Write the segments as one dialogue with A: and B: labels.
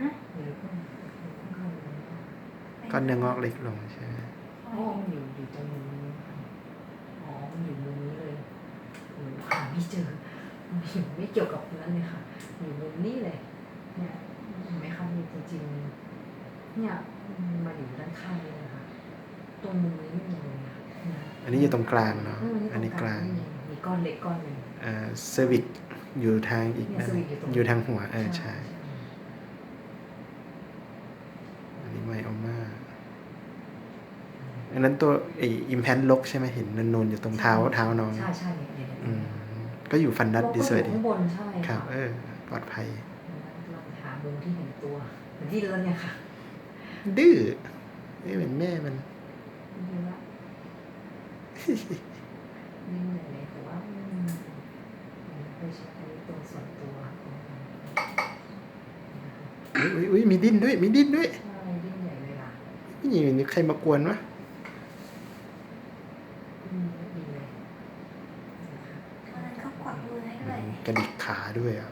A: หรือข้างๆ
B: ก้อนเนื้องอกเล็กลงใช่ไหม
A: อ๋อมันอยู่ตรงมุมนี้ค่ะอ๋อมันอยู่มุมนี้เลยหนูหาไม่เจอไม่เกี่ยวกับนั้นเลยค่ะอยู่มุมนี้เลยเนี่ยเห็นไหมคะนี่จริงๆเนี่ยมาอยู่ด้านข้างเลยนะคะตรงมุมนี้ไม่มีเลยนะ
B: อันนี้อยู่ตรงกลางเนาะอันนี้กลาง
A: มีก้อนเล็กก้อนหนึ่ง
B: เซอร์วิกอยู่ทางอีกนั่นอยู่ทางหัวใช่อันนี้ไมโอมาอันนั้นตัวอิมแพนลกใช่ไหมเห็นนูนๆอยู่ตรงเท้าน้อง
A: ใช่เนี่ย
B: ก็อยู่ฟันดัดดิสเวดี
A: ข้างบนใช่
B: ครับปลอดภัย
A: ลองหามุมที่เห็นตัวเหมือนที่เดินเนี่ยค่ะ
B: ดื้อไม่เหมือนแม่มัน
A: ดีละนี่เหนื่อยเลยแต่ว่าไปใช้ตัวส่วนตัว
B: อุ้ยมีดิ้นด้วย
A: ใช่ดิ้นใหญ่เลยล่ะ
B: นี่ใครมากวนวะ
A: ดีเลย
C: เขากวักมือให้ด้วย
B: กระดิกขาด้วยอ่ะ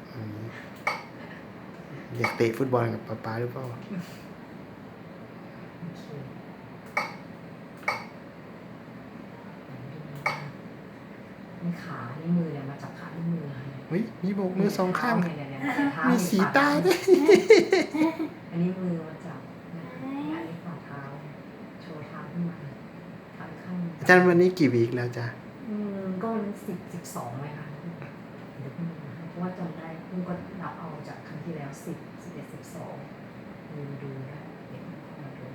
B: อยากเตะฟุตบอลกับป๊าหรือเปล่า
A: นี่ขานี่มือเนี่ยมาจับขานี่มือ
B: เฮ้ยมีโบกมือสองข้าง
A: มี
B: สีตาด้วย
A: อันนี้มือมาจับอันนี้ฝ่าเท้าโชว์เท้าขึ้นมาข้าง
B: อาจารย์วันนี้กี่วีคแล้วจ้ะ
A: ก็12ไหมคะเดี๋ยวคุณเพราะว่าจำได้คุณก็นับเอาจากครั้งที่แล้ว10 11 12ดูได้เดี๋ยวมาดู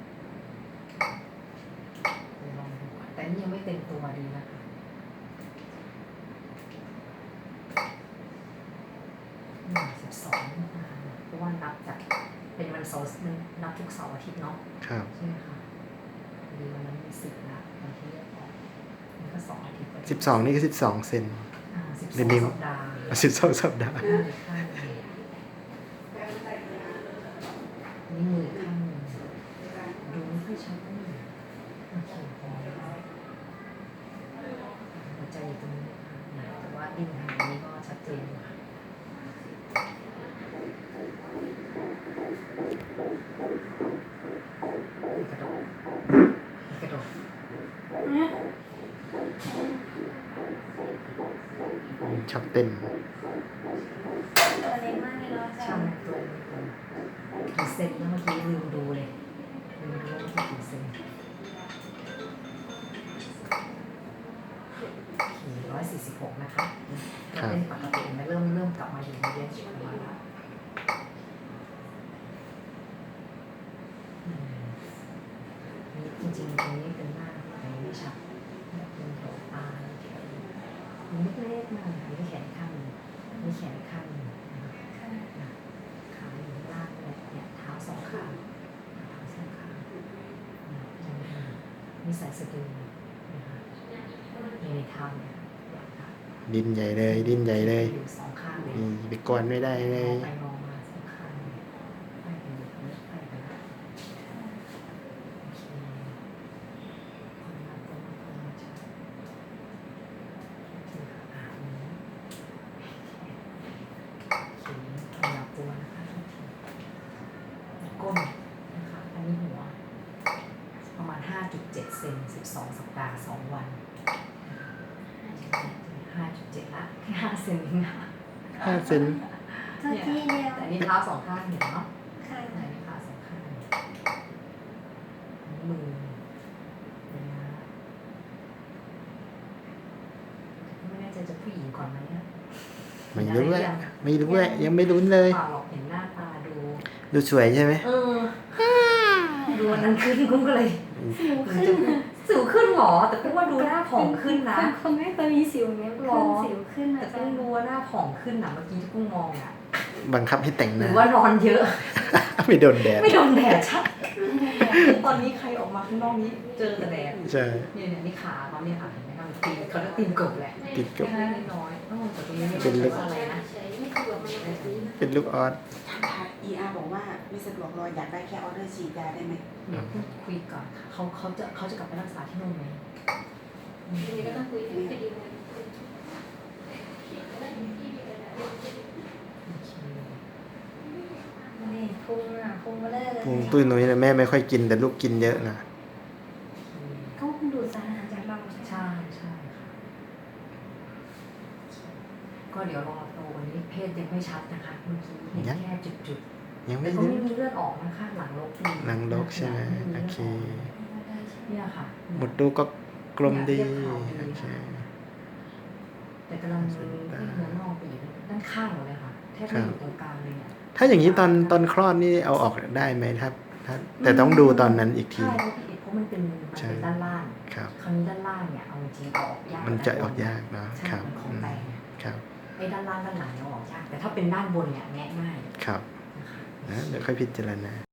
A: ลองดูแต่นี่ยังไม่เต็มตัวดีนะคะ12เพราะว่านับจากเป็นวันเสาร์นับทุกเสาร์อาทิตย์เนาะ
B: ครับ
A: ใช่ไหมคะดีวันนั้นมี10แล้ววันที่เลือกออกมันก็2 อาทิตย์
B: 12นี่ก็12 เซน
A: 12 สัปดาห์
B: 12 สัปดาห์
A: นี่มือข้างนึงดูไม่ค่อยชัดเลยโอเคพอหัวใจอยู่ตรงนี้แต่ว่าดิ้นทางนี้ก็ชัดเจนอยู่ค่ะกระโดด
B: ชอบเต้น
C: ตัวเล็กมากเลยเนาะอาจารย์
A: กี่เซนแล้วเมื่อกี้ลืมดูเลยว่ากี่เซน146นะคะเป็นปกตินะเริ่มกลับมาอยู่ในเรียนชุดมาแล้วนี่จริงๆตรงนี้เป็นหน้าแต่ไม่ชัดเป็นแถวตาแถวมันเล็กๆมากมีแขนข้างมีแขนข้างขาอยู่ข้างล่างเนี่ยเท้าสองข้างมีสายสะดือในเท้าเนี่ย
B: ดิ้นใหญ่เลย
A: อยู่สองข้างเลย
B: ไปกวนไม่ได้เลย
A: ไปมองมาสองข้างเลยไปกันไปกันละโอเคคนละตัวชัดคือขานี้โอเคขยับตัวนะคะทุกทีก้นนะคะอันนี้หัวประมาณ 5.7 เซน12 สัปดาห์ 2 วัน5.7 ละแค่5 เซนเองนะ
B: 5 เซน
C: ตัวที่เดียว
A: แต่นี่เท้าสองข้างเห็นเนาะ
C: ค่ะ
A: ไหนขาสองข้างมือนะไม่แน่ใจจะผู้หญิงก่อนไหม
B: ไม่รู้ยังไม่รู้เลย
A: เปล่าหรอกเห็นหน้าตา
B: ดูสวยใช่ไหม
A: ดูวันนั้นขึ้นกุ้งก็เลยสิวขึ้นหรอแต่กุ้งว่าดูหน้าผ่องขึ้นนะ
C: คนไม่เคยมีสิวเนี้ยสิวขึ้น
A: แต่กุ้งดูว่าหน้าผ่องขึ้นนะเมื่อกี้ที่กุ้งมองอ่ะ
B: บังคับให้แต่งหน้า
A: หรือว่านอนเยอะ
B: ไม่โดนแดด
A: ใช่ตอนนี้ใครออกมาข้างนอกนี้เจอแต่แดด
B: ใช่
A: เนี่ยนี่ขาเขาเนี่ยค่ะเห็นไหมคะตีเขาเรียกตีนกบแหละ
B: ตีนกบ
A: น้อยแต่ตรงนี้
B: เป็นลูก
A: อะไรนะ
B: เป็นลูกออส
D: ER บอกว่าไม่สะดวกรออยากได้แค่ออเดอร์ฉีดยาได้ไหม
A: พูดคุยก่อนเขาจะกลับไปรักษาที่นู่นไหม
C: ทีนี้ก็ต้องคุยกันคดีเลย
A: นี่
C: พุงอ่ะพุงมาเลยเลย
B: พุงตุ้ยนุ้ยนะแม่ไม่ค่อยกินแต่ลูกกินเยอะนะ
C: เขาคงดูดสารอาหารจากเราใช่ไหม
A: ใช่ใช่ค่ะก็เดี๋ยวรอโตวันนี้เพศยังไม่ชัดนะคะเมื่อกี้เห็นแค่จุด
B: ยัง
A: ๆ
B: ไม่
A: แต่ก็
B: ได้
A: ไม่มีเลือดออกนะคะหลังลกดี
B: หลังลกใช่ไหม
A: ลื
B: โอ
A: ด
B: เค
A: กเนี่ยค่ะ
B: หมดดูก็กลมดี
A: เนี่ยเรียบขาวดี
B: โอเค
A: แต่กำลังที่เนื้อนอกไปอีกด้านข้างหมดเลยค่ะแทบไม่อยู่ตรงกลางเลยเนี่ย
B: ถ้าอย่างนี้ตอนคลอดนี่เอาออกได้ไหมถ้าแต่ต้องดูตอนนั้นอีกที
A: ใช่เพราะมันเป็นด้านล่าง
B: ครับ
A: คราวนี้ด้านล่างเนี่ยเอาจริงๆเอาออกยาก
B: มันจะออกยากเนาะ
A: ใช่
B: ครับ
A: มันของ
B: อืม
A: แตก
B: ครับ
A: ไอ้ด้านล่างด้านหลังเนี่ยเอาออกยากแต่ถ้าเป็นด้านบนเนี่ยแงะง่าย
B: ครับ
A: นะคะ
B: นะเดี๋ยวค่อยพิจารณา